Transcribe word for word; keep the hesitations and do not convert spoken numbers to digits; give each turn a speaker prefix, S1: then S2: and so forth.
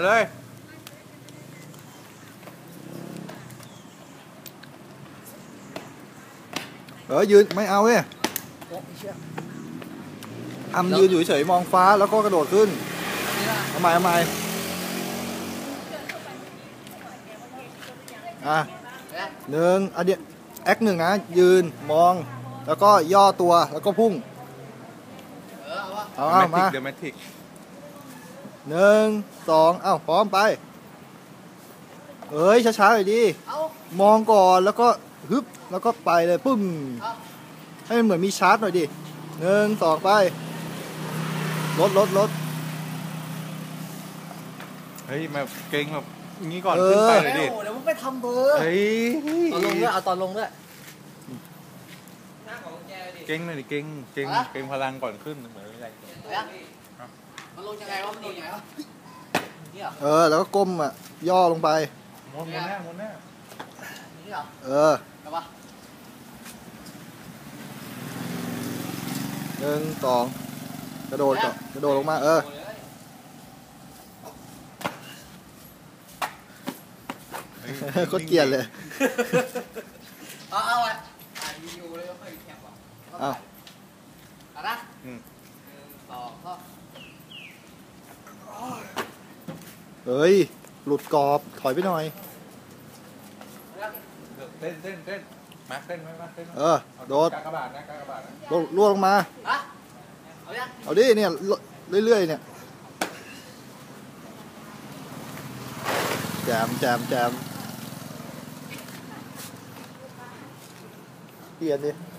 S1: เลย
S2: เออยืนไม่เอาเว้ยทำยืนอยู่เฉยมองฟ้าแล้วก็กระโดดขึ้นทำไมทำไมอ่ะหนึ่งอันเดียแอคหนึ่งนะยืนมองแล้วก็ย่อตัวแล้วก็พุ่งเอาเอามา
S1: เดอะแมทริก
S2: หนึ่งสองเอ้าพร้อมไปเอ้ยช้าๆหน่อยดิมองก่อนแล้วก็ฮึบแล้วก็ไปเลยปุ้มให้มันเหมือนมีชาร์จหน่อยดิหนึ่งสองไปรถรถรถ
S1: เฮ้ยแบบเก่งแบบงี้ก่อนขึ้นไปเลยดิ
S3: เดี๋ยวมึงไปทำเบอร์
S1: เฮ้ย
S3: ตอนลงด้วยเอาตอนลงด้วย
S1: เก่งเลยดิเก่งเก่งเก่งพลังก่อนขึ้นเหมือนอะไร
S3: มันลงยังไงวะมันลงยังไงวะ
S2: เออแล้วก็ก้มอ่ะย่อลงไป
S1: ม้วนม้วนหน้าม้วนหน้า
S2: เออหนึ่งสองกระโดดก่อนกระโดดลงมาเออโคตรเกลียดเลย
S3: เอาเอาอ่ะอยู่เลยก็ค่อยแคบอ่ะ
S2: เอา
S3: เอาละหนึ่งสองก็
S2: เฮ้ยหลุดกรอบถอยไปหน่อย
S1: เต้นเต้นเต้นมาเต้นไหมมาเต้น
S2: เออโดด
S1: กากบาทนะกากบาทนะ
S2: ล่วงลงมา
S3: เอายัง
S2: เอาดิเนี่ยเรื่อยๆเนี่ยแจมแจมแจมเปลี่ยนดิ